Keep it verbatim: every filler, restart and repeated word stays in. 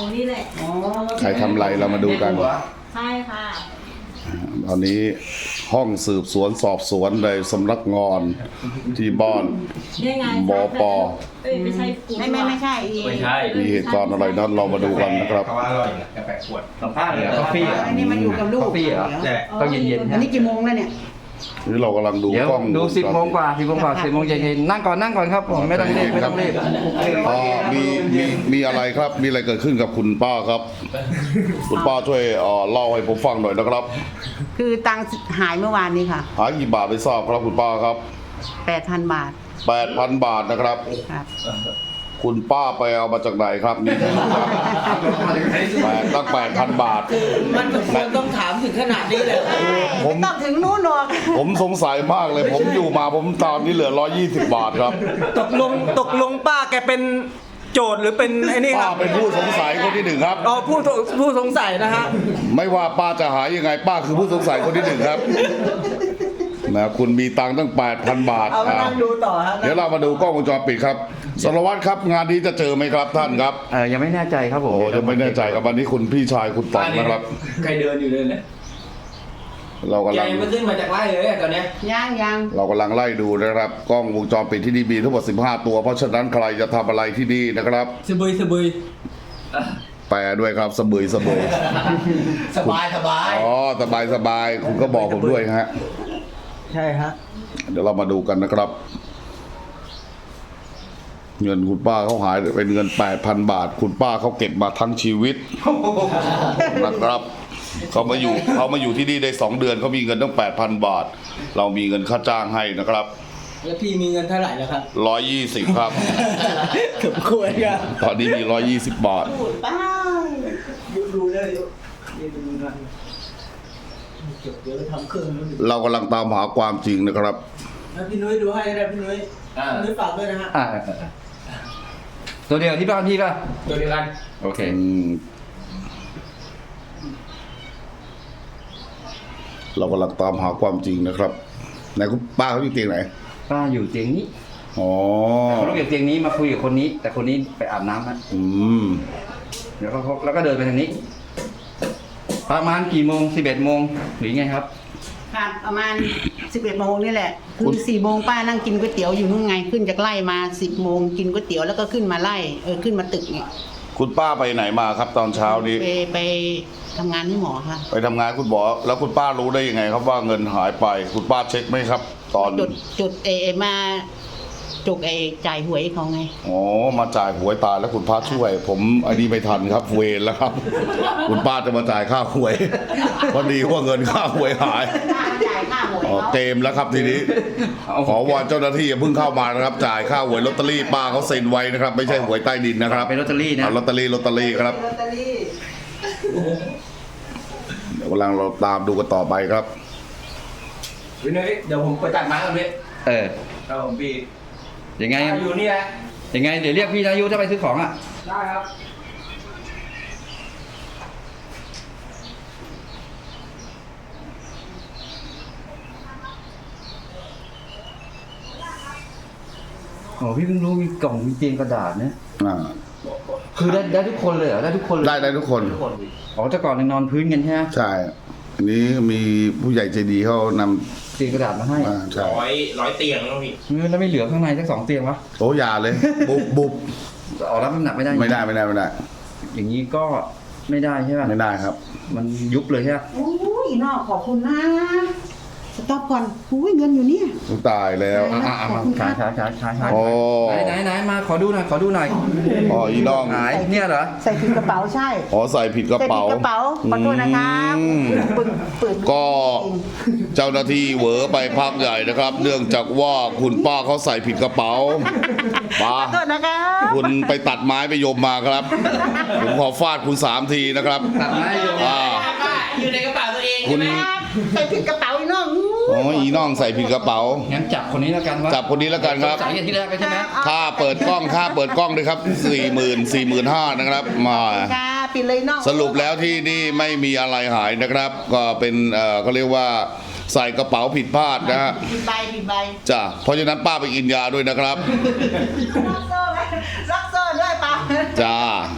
นี่แหละใครทำอะไรเรามาดูกันใช่ค่ะตอนนี้ห้องสืบสวนสอบสวนในสำนักงานที่บ้านบปไม่ใช่ไม่ไม่ไม่ใช่ไม่ใช่มีเหตุการณ์อะไรนั้นเรามาดูกันนะครับเขาว่าอร่อยนะกาแฟขวดสัมภาษณ์เหรอกาแฟเหรออันนี้มาอยู่กับลูกกาแฟเหรอต้องเย็นๆอันนี้กี่โมงแล้วเนี่ยนี่เรากำลังดูกล้องดูสิบโมงกว่าสิบโมงกว่าสิบโมงเย็นๆนั่งก่อนนั่งก่อนครับผมไม่ต้องรีบไม่ต้องรีบอ๋อมีมีมีอะไรครับมีอะไรเกิดขึ้นกับคุณป้าครับ คุณป้าช่วยเอ่อเล่าให้ผมฟังหน่อยนะครับคือตังค์หายเมื่อวานนี้ค่ะหายกี่บาทไม่ทราบครับคุณป้าครับแปดพันบาทแปดพันบาทนะครับครับคุณป้าไปเอามาจากไหนครับนี่ครับแปดตั้งแปดพันบาทมันควรต้องถามถึงขนาดนี้เลยผมต้องถึงนู้นหรอกผมสงสัยมากเลยผมอยู่มาผมตอนนี้เหลือร้อยยี่สิบบาทครับตกลงตกลงป้าแกเป็นโจทย์หรือเป็นไอ้นี่คป้ารับเป็นผู้สงสัยคนที่หนึ่งครับอ๋อผู้ผู้สงสัยนะฮะไม่ว่าป้าจะหายยังไงป้าคือผู้สงสัยคนที่หนึ่งครับนะคุณมีตังค์ตั้งแปดพันบาทเอานั่งดูต่อฮะเดี๋ยวเรามาดูกล้องวงจรปิดครับสารวัตรครับงานนี้จะเจอไหมครับท่านครับเออยังไม่แน่ใจครับผมโอ้ยังไม่แน่ใจครับวันนี้คุณพี่ชายคุณต๋องนะครับใครเดินอยู่เลยเนี่ยเรากำลังไม่ขึ้นมาจากไร่เลยตอนนี้ยังยังเรากำลังไล่ดูนะครับกล้องวงจรปิดที่นี่มีทั้งหมดสิบห้าตัวเพราะฉะนั้นใครจะทำอะไรที่นี่นะครับสบายสบายแปลด้วยครับสบายสบายสบายสบายอ๋อสบายสบายคุณก็บอกผมด้วยฮะใช่ฮะเดี๋ยวเรามาดูกันนะครับเงินคุณป้าเขาหายเป็นเงิน แปดพัน บาทคุณป้าเขาเก็บมาทั้งชีวิตนะครับเขามาอยู่เขามาอยู่ที่นี่ได้สองเดือนเขามีเงินตั้ง แปดพัน บาทเรามีเงินค่าจ้างให้นะครับแล้วพี่มีเงินเท่าไหร่แล้วครับหนึ่งร้อยยี่สิบครับสมควรครับตอนนี้มีหนึ่งร้อยยี่สิบบาทป้าดูดูเลยดูดูนะเดี๋ยวทำเครื่องเรากำลังตามหาความจริงนะครับพี่นุ้ยดูให้ได้พี่นุ้ยพี่นุ้ยฝากด้วยนะฮะตัวเดียวที่บ้านพี่ป่ะตัวเดียวกันโอเคเรากำลังตามหาความจริงนะครับไหนคุณป้าเขาอยู่เตียงไหนป้าอยู่เตียงนี้อ๋อเขาลุกจากเตียงนี้มาคุยกับคนนี้ แต่คนนี้ไปอาบน้ำนะอืมเดี๋ยวเขาแล้วก็เดินไปทางนี้ประมาณกี่โมงสิบเอ็ดโมงหรือไงครับครับประมาณสิบเอ็ดโมงนี่แหละคือสี่โมงป้านั่งกินก๋วยเตี๋ยวอยู่นู่นไงขึ้นจากไร่มาสิบโมงกินก๋วยเตี๋ยวแล้วก็ขึ้นมาไล่เออขึ้นมาตึกเนี่ยคุณป้าไปไหนมาครับตอนเช้านี้ไปไปทำงานที่หมอค่ะไปทำงานคุณหมอแล้วคุณป้ารู้ได้ยังไงครับว่าเงินหายไปคุณป้าเช็คไหมครับตอนจุดจุดเอมาจุกไอจ่ายหวยเขาไงอ๋อมาจ่ายหวยตายแล้วคุณป้าช่วยผมไอ้นี่ไม่ทันครับเวรแล้วครับคุณป้าจะมาจ่ายค่าหวยพอดีว่าเงินค่าหวยหายอ๋อเกมแล้วครับทีนี้ขอวอนเจ้าหน้าที่อย่าเพิ่งเข้ามานะครับจ่ายค่าหวยลอตเตอรี่ป้าเขาเซ็นไว้นะครับไม่ใช่หวยใต้ดินนะครับเป็นลอตเตอรี่นะลอตเตอรี่ลอตเตอรี่ครับเดี๋ยวกำลังเราตามดูกันต่อไปครับวินัยเดี๋ยวผมไปตัดไม้ก่อนพี่เออครับผมพี่ยังไงอยู่นี่แหละยังไงเดี๋ยวเรียกพี่นายุถ้าไปซื้อของอ่ะได้ครับโอ้พี่เพิ่งรู้มีกล่องมีเตียงกระดาษเนี่ยอ่าคือได้ได้ทุกคนเลยเหรอได้ทุกคนเลยได้ได้ทุกคนอ๋อแต่ก่อนนอนพื้นกันใช่ไหมใช่อันนี้มีผู้ใหญ่ใจดีเขานำเตียงกระดาษมาให้ร้อยร้อยเตียงแล้วพี่แล้วไม่เหลือข้างในสักสองเตียงวะโอ้ยาเลยบุบบุบออกรับน้ำหนักไม่ได้ไม่ได้ไม่ได้ไม่ได้อย่างนี้ก็ไม่ได้ใช่ไหมไม่ได้ครับมันยุบเลยใช่ไหมโอ้ยนอกขอบคุณนะสต็อปก่อนอุ้ยเงินอยู่นี่ตายแล้วอ่ามาขายขายขายขายขายไหนไหนไหนมาขอดูหน่อยขอดูหน่อยอ๋ออีน้องหายเนี่ยเหรอใส่ผิดกระเป๋าใช่อ๋อใส่ผิดกระเป๋าใส่ผิดกระเป๋าขอโทษนะครับก็เจ้าหน้าที่เหวอไปพักใหญ่นะครับเนื่องจากว่าคุณป้าเขาใส่ผิดกระเป๋าป้าขอโทษนะครับคุณไปตัดไม้ไปโยมมาครับผมขอฟาดคุณสามทีนะครับตัดไม้โยมอยู่ในกระเป๋าตัวเองคุณใส่ผิดกระเป๋าอีน้องอ๋ออีน้องใส่ผิดกระเป๋างั้นจับคนนี้แล้วกันว่าจับคนนี้แล้วกันครับจ่ายที่แรกใช่ไหมค่าเปิดกล้องค่าเปิดกล้องด้วยครับสี่หมื่นสี่หมื่นห้านะครับมาปิดเลยน้องสรุปแล้วที่นี่ไม่มีอะไรหายนะครับก็เป็นเอ่อเขาเรียกว่าใส่กระเป๋าผิดพลาดนะฮะผิดใบผิดใบจ้ะเพราะฉะนั้นป้าไปกินยาด้วยนะครับรักโซ่รักโซ่ด้วยป้าจ้า